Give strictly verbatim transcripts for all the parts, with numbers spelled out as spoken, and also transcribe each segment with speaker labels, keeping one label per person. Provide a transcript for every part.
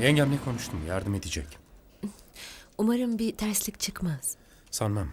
Speaker 1: Yengemle konuştum, yardım edecek.
Speaker 2: Umarım bir terslik çıkmaz.
Speaker 1: Sanmam.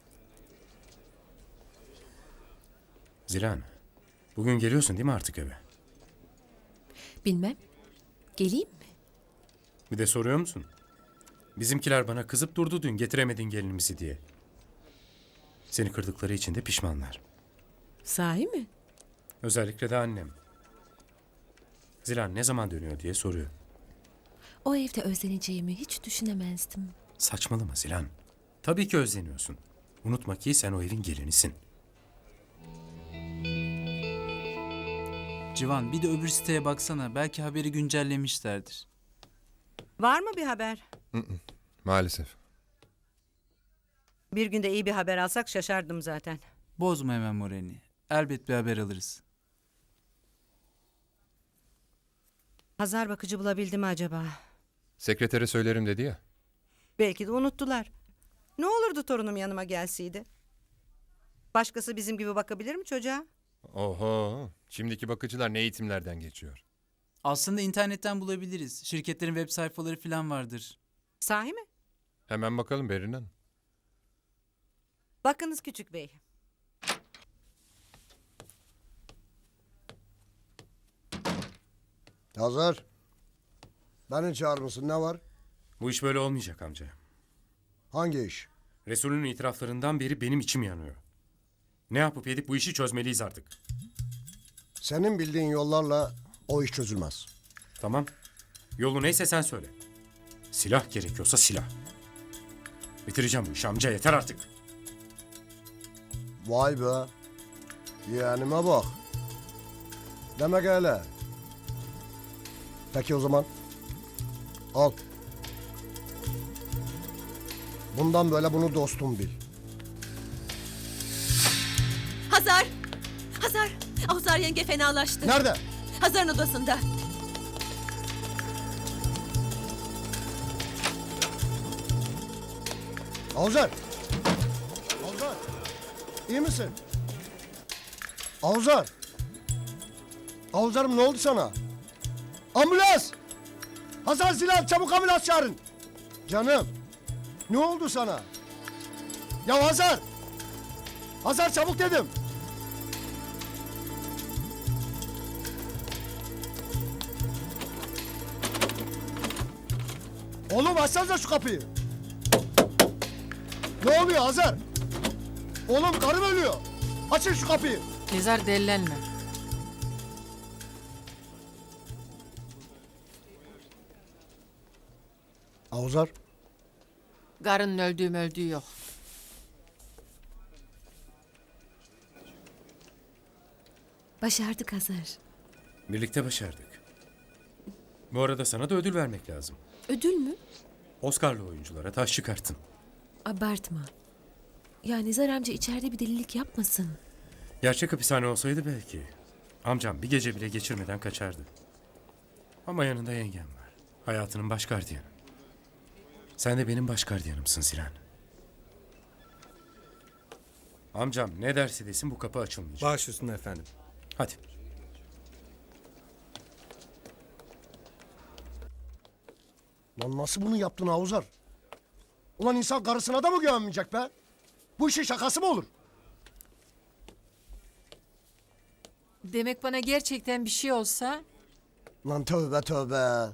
Speaker 1: Zilan, bugün geliyorsun değil mi artık eve?
Speaker 2: Bilmem. Geleyim mi?
Speaker 1: Bir de soruyor musun? Bizimkiler bana kızıp durdu dün getiremedin gelinimizi diye. Seni kırdıkları için de pişmanlar.
Speaker 2: Sahi mi?
Speaker 1: Özellikle de annem. Zilan ne zaman dönüyor diye soruyor.
Speaker 2: O evde özleneceğimi hiç düşünemezdim.
Speaker 1: Saçmalama Zilan. Tabii ki özleniyorsun. Unutma ki sen o evin gelinisin.
Speaker 3: Civan bir de öbür siteye baksana. Belki haberi güncellemişlerdir.
Speaker 4: Var mı bir haber?
Speaker 5: Maalesef.
Speaker 4: Bir günde iyi bir haber alsak şaşardım zaten.
Speaker 3: Bozma hemen moralini. Elbet bir haber alırız.
Speaker 4: Hazar bakıcı bulabildi mi acaba?
Speaker 5: Sekretere söylerim dedi ya.
Speaker 4: Belki de unuttular. Ne olurdu torunum yanıma gelseydi? Başkası bizim gibi bakabilir mi çocuğa?
Speaker 5: Oho. Şimdiki bakıcılar ne eğitimlerden geçiyor.
Speaker 3: Aslında internetten bulabiliriz. Şirketlerin web sayfaları falan vardır.
Speaker 4: Sahi mi?
Speaker 5: Hemen bakalım Berin Hanım.
Speaker 4: Bakınız küçük bey.
Speaker 6: Hazır. Beni çağırmışsın, ne var?
Speaker 1: Bu iş böyle olmayacak amca.
Speaker 6: Hangi iş?
Speaker 1: Resul'ün itiraflarından beri benim içim yanıyor. Ne yapıp edip bu işi çözmeliyiz artık.
Speaker 6: Senin bildiğin yollarla o iş çözülmez.
Speaker 1: Tamam. Yolu neyse sen söyle. Silah gerekiyorsa silah. Bitireceğim bu işi amca, yeter artık.
Speaker 6: Vay be. Yeğenime bak. Demek öyle. Peki o zaman. Al. Bundan böyle bunu dostum bil.
Speaker 2: Hazar! Hazar! Hazar yenge fenalaştı.
Speaker 6: Nerede?
Speaker 2: Hazar'ın odasında.
Speaker 6: Avuzar. Avuzar. İyi misin? Avuzar. Avuzarım, ne oldu sana? Ambulans! Hasan Silah, çabuk ambulans çağırın. Canım. Ne oldu sana? Ya Hazar! Hazar, çabuk dedim. Oğlum açsanıza şu kapıyı. Ne oluyor Hazar? Oğlum karım ölüyor. Açın şu kapıyı.
Speaker 7: Nizar delilenme.
Speaker 6: Avuzar.
Speaker 7: Karının öldüğü mü öldüğü yok.
Speaker 2: Başardık Hazar.
Speaker 1: Birlikte başardık. Bu arada sana da ödül vermek lazım.
Speaker 2: Ödül mü?
Speaker 1: Oscar'lı oyunculara taş çıkarttın.
Speaker 2: Abartma. Ya Nizar amca içeride bir delilik yapmasın.
Speaker 1: Gerçek hapishane olsaydı belki. Amcam bir gece bile geçirmeden kaçardı. Ama yanında yengem var. Hayatının baş gardiyanı. Sen de benim baş gardiyanımsın Sinan. Amcam ne derse desin bu kapı açılmayacak.
Speaker 8: Baş üstüne efendim.
Speaker 1: Hadi.
Speaker 6: Lan nasıl bunu yaptın Avuzar? Ulan insan karısına da mı güvenmeyecek be? Bu işin şakası mı olur?
Speaker 7: Demek bana gerçekten bir şey olsa
Speaker 6: Lan tövbe tövbe.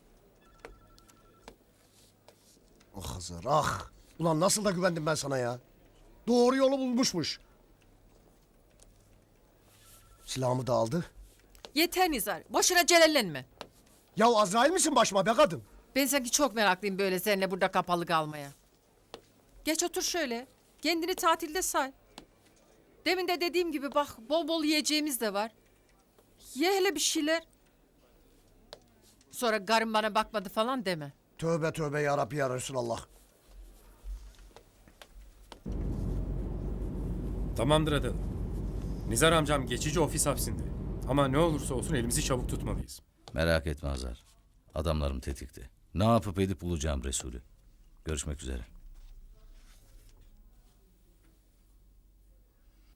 Speaker 6: Ah Hazar ah. Ulan nasıl da güvendim ben sana ya. Doğru yolu bulmuşmuş. Silahımı da aldı.
Speaker 7: yeter Nizar. Boşuna celallenme.
Speaker 6: Ya Azrail misin başıma be kadın?
Speaker 7: Ben sanki çok meraklıyım böyle seninle burada kapalı kalmaya. Geç otur şöyle. Kendini tatilde say. Demin de dediğim gibi bak bol bol yiyeceğimiz de var. Ye hele bir şeyler. Sonra karım bana bakmadı falan deme.
Speaker 6: Tövbe tövbe ya Rabbi ya Resulallah.
Speaker 1: Tamamdır Adalı. Nizar amcam geçici ofis hapsinde. Ama ne olursa olsun elimizi çabuk tutmalıyız.
Speaker 9: Merak etme Hazar. Adamlarım tetikte. Ne yapıp edip bulacağım Resulü. Görüşmek üzere.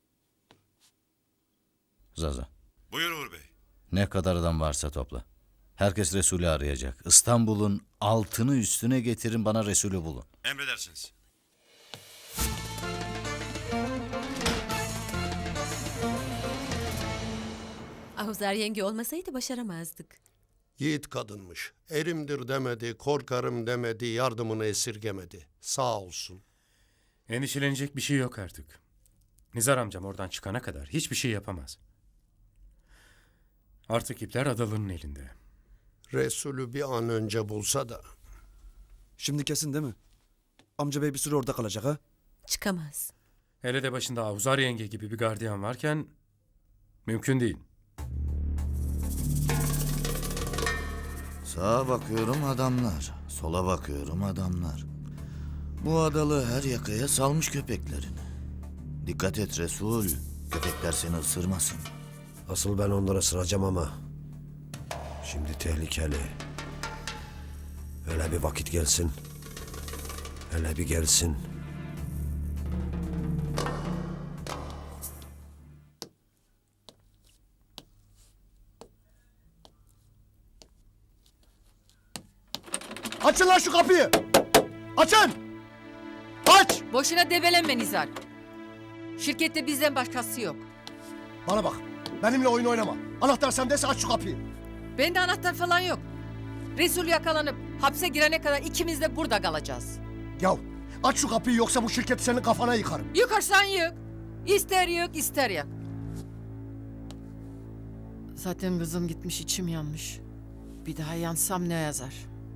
Speaker 9: Zaza.
Speaker 10: Buyur Uğur Bey.
Speaker 9: Ne kadar adam varsa topla. Herkes Resulü arayacak. İstanbul'un altını üstüne getirin, bana Resulü bulun.
Speaker 8: Emredersiniz.
Speaker 2: Ahuzar yenge olmasaydı başaramazdık.
Speaker 10: Yiğit kadınmış. Erimdir demedi, korkarım demedi, yardımını esirgemedi. Sağ olsun.
Speaker 1: Endişelenecek bir şey yok artık. Nizar amcam oradan çıkana kadar hiçbir şey yapamaz. Artık ipler Adalı'nın elinde.
Speaker 10: Resulü bir an önce bulsa da.
Speaker 11: Şimdi kesin değil mi? Amca bey bir süre orada kalacak ha?
Speaker 2: Çıkamaz.
Speaker 1: Hele de başında Ahuzar yenge gibi bir gardiyan varken mümkün değil.
Speaker 9: Sağa bakıyorum adamlar, sola bakıyorum adamlar. Bu adalı her yakaya salmış köpeklerini. Dikkat et Resul, köpekler seni ısırmasın.
Speaker 6: Asıl ben onlara sıracağım ama. Şimdi tehlikeli. Hele bir vakit gelsin. Hele bir gelsin. Açın lan şu kapıyı! Açın! Aç!
Speaker 7: Boşuna debelenme Nizar. Şirkette bizden başkası yok.
Speaker 6: Bana bak. Benimle oyun oynama. Anahtar sendeyse aç şu kapıyı.
Speaker 7: Bende anahtar falan yok. Resul yakalanıp hapse girene kadar ikimiz de burada kalacağız.
Speaker 6: Yav aç şu kapıyı yoksa bu şirketi senin kafana yıkarım.
Speaker 7: Yıkarsan yık. İster yık ister yak. Zaten kızım gitmiş, içim yanmış. Bir daha yansam ne yazar?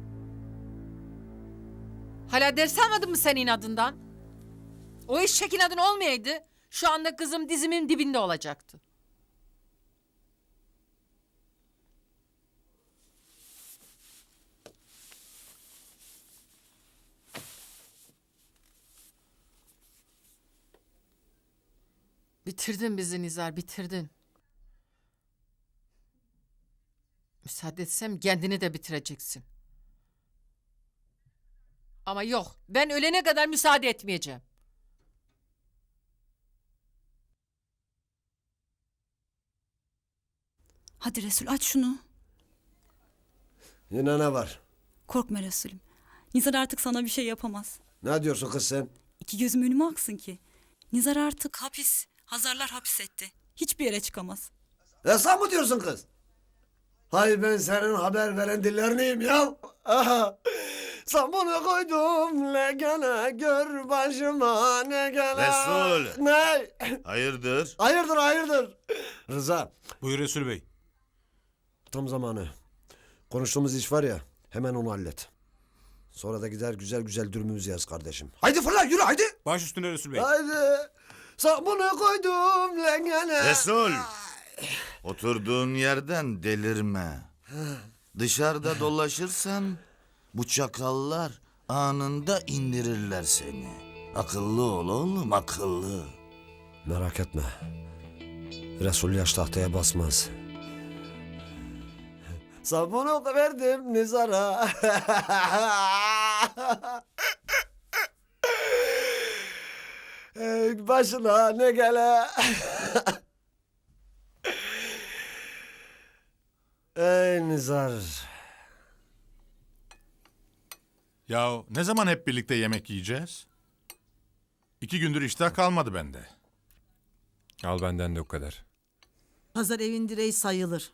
Speaker 7: Hala ders almadın mı sen inadından? O eşek inadın olmayaydı şu anda kızım dizimin dibinde olacaktı. Bitirdin bizi Nizar, bitirdin. Müsaade etsem kendini de bitireceksin. Ama yok, ben ölene kadar müsaade etmeyeceğim.
Speaker 12: Hadi Resul aç şunu.
Speaker 6: Yine ne var?
Speaker 12: Korkma Resulüm. Nizar artık sana bir şey yapamaz.
Speaker 6: Ne diyorsun kız sen?
Speaker 12: İki gözüm önüme aksın ki. Nizar artık hapis. Hazarlar hapis etti. Hiçbir yere çıkamaz.
Speaker 6: Ya sen mi diyorsun kız? Hay ben senin haber veren dilleriniyim ya. Aha. Sen bunu koydum ne gene gör başıma ne gene.
Speaker 8: Resul.
Speaker 6: Ne?
Speaker 8: Hayırdır?
Speaker 6: Hayırdır hayırdır. Rıza
Speaker 8: Buyur Resul Bey.
Speaker 6: tam zamanı. Konuştuğumuz iş var ya hemen onu hallet. Sonra da gider güzel güzel dürümümüzü yaz kardeşim. Haydi fırla yürü haydi.
Speaker 8: Baş üstüne Resul Bey.
Speaker 6: Haydi. Sen bunu koydum ne gene.
Speaker 8: Resul. Oturduğun yerden delirme. Dışarıda dolaşırsan bu çakallar anında indirirler seni. Akıllı ol oğlum, akıllı.
Speaker 6: Merak etme. Resul yaş tahtaya basmaz. Sabunu verdim Nizar'a. Ey başına ne gele. Ey Nizar.
Speaker 8: Ya ne zaman hep birlikte yemek yiyeceğiz? İki gündür iştah kalmadı bende.
Speaker 5: Al benden de o kadar.
Speaker 13: Pazar evin direği sayılır.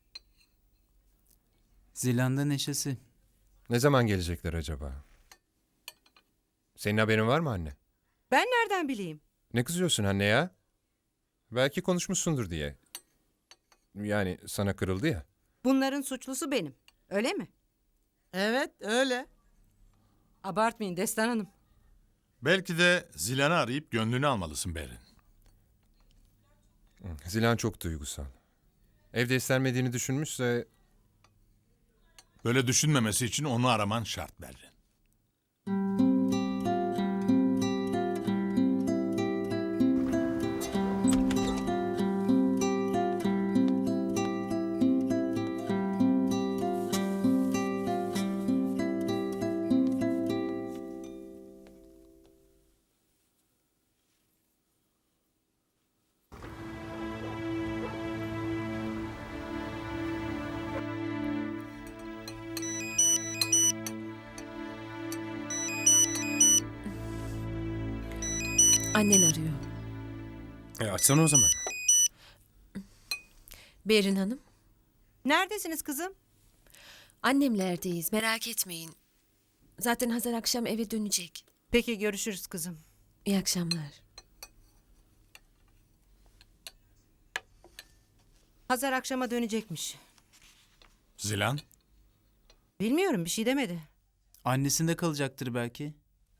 Speaker 3: Zilanda neşesi.
Speaker 5: Ne zaman gelecekler acaba? Senin haberin var mı anne?
Speaker 4: Ben nereden bileyim?
Speaker 5: Ne kızıyorsun anne ya? Belki konuşmuşsundur diye. Yani sana kırıldı ya.
Speaker 4: Bunların suçlusu benim. Öyle mi?
Speaker 13: Evet öyle.
Speaker 4: Abartmayın Destan Hanım.
Speaker 8: Belki de Zilan'ı arayıp gönlünü almalısın Berin.
Speaker 5: Zilan çok duygusal. Evde istenmediğini düşünmüşse
Speaker 8: Böyle düşünmemesi için onu araman şart Berin.
Speaker 2: Annen arıyor.
Speaker 1: E açsana o zaman.
Speaker 2: Berin Hanım.
Speaker 4: Neredesiniz kızım?
Speaker 2: Annemlerdeyiz, merak etmeyin. Zaten Hazar akşam eve dönecek.
Speaker 4: Peki görüşürüz kızım.
Speaker 2: İyi akşamlar.
Speaker 4: Hazar akşama dönecekmiş.
Speaker 8: Zilan?
Speaker 4: Bilmiyorum, bir şey demedi.
Speaker 3: Annesinde kalacaktır belki.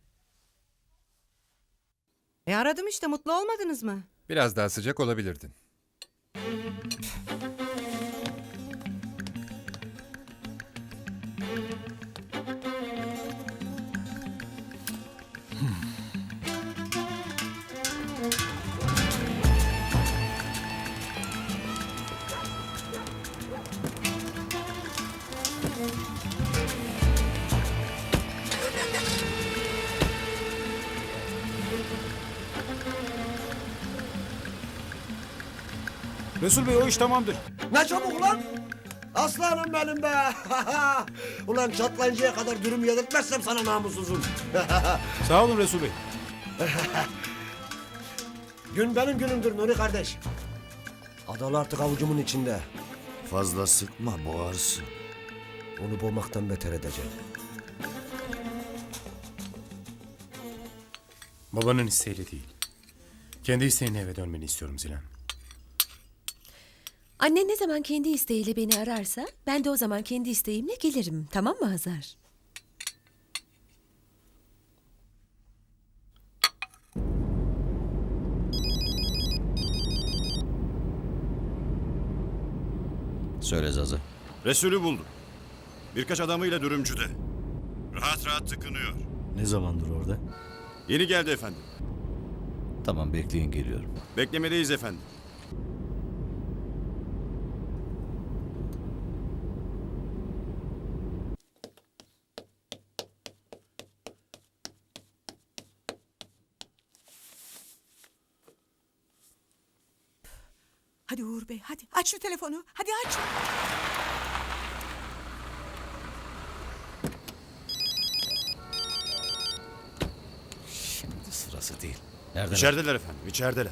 Speaker 4: E aradım işte, mutlu olmadınız mı?
Speaker 5: Biraz daha sıcak olabilirdin.
Speaker 11: Resul Bey o iş tamamdır.
Speaker 6: Ne çabuk lan? Aslanım benim be. Ulan çatlayıncaya kadar dürüm yedirtmezsem sana namussuzum.
Speaker 11: Sağ olun Resul Bey.
Speaker 6: Gün benim günümdür Nuri kardeş. Adalı artık avucumun içinde.
Speaker 9: Fazla sıkma boğarsın.
Speaker 6: Onu boğmaktan beter edeceğim.
Speaker 1: Babanın isteğiyle değil. Kendi isteğinle eve dönmeni istiyorum Zilan.
Speaker 2: Annen ne zaman kendi isteğiyle beni ararsa ben de o zaman kendi isteğimle gelirim. Tamam mı Hazar?
Speaker 9: Söyle Zaza.
Speaker 14: Resulü buldum. Birkaç adamıyla dürümcüde. Rahat rahat tıkınıyor.
Speaker 9: Ne zamandır orada?
Speaker 14: Yeni geldi efendim.
Speaker 9: Tamam bekleyin geliyorum.
Speaker 14: Beklemedeyiz efendim.
Speaker 12: Hadi Uğur Bey hadi aç şu telefonu. Hadi aç.
Speaker 9: Şimdi sırası değil. Nereden?
Speaker 14: İçerideler efendim, içerideler.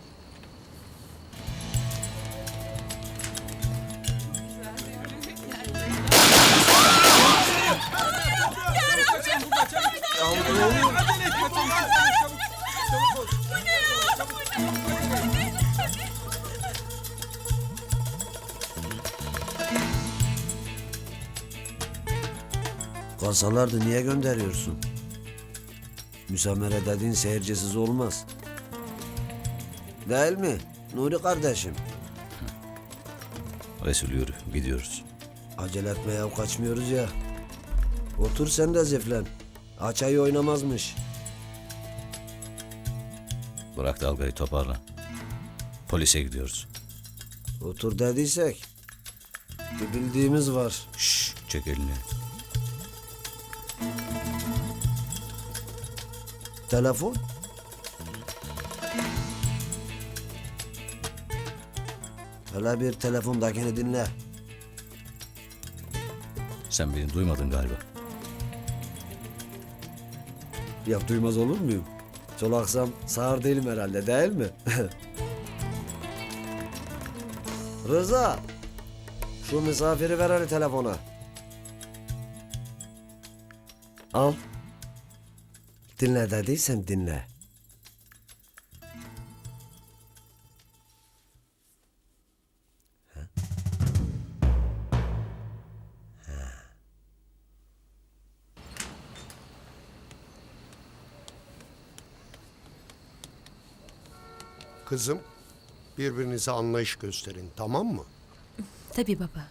Speaker 6: Kalsalardı niye gönderiyorsun? Müsamere dediğin seyircisiz olmaz. Değil mi Nuri kardeşim?
Speaker 9: Resul yürü gidiyoruz.
Speaker 6: Acele etmeye kaçmıyoruz ya. Otur sen de ziflen. Açayı oynamazmış.
Speaker 9: Bırak dalgayı toparla. Polise gidiyoruz.
Speaker 6: Otur dediysek. Bir bildiğimiz var.
Speaker 9: Şşş çek elini.
Speaker 6: Telefon? Hele bir telefondakini dinle.
Speaker 9: Sen beni duymadın galiba.
Speaker 6: Ya duymaz olur muyum? Çolaksam sağır değilim herhalde değil mi? Rıza. Şu misafiri ver hele telefona. Al. Dinle dediysem dinle.
Speaker 10: Kızım, birbirinize anlayış gösterin, tamam mı?
Speaker 2: Tabii baba.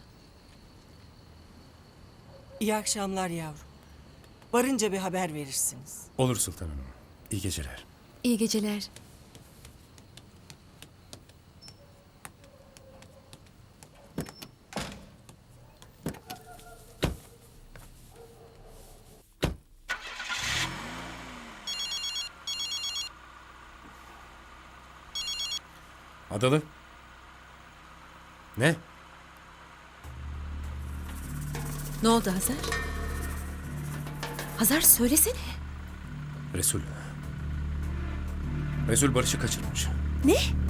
Speaker 13: İyi akşamlar yavrum. Varınca bir haber verirsiniz.
Speaker 1: Olur Sultan Hanım. İyi geceler.
Speaker 2: İyi geceler.
Speaker 1: Adalı. Ne?
Speaker 2: Ne oldu Hazar? Hazar söylesene.
Speaker 1: Resul. Resul Barış'ı kaçırmış.
Speaker 2: Ne?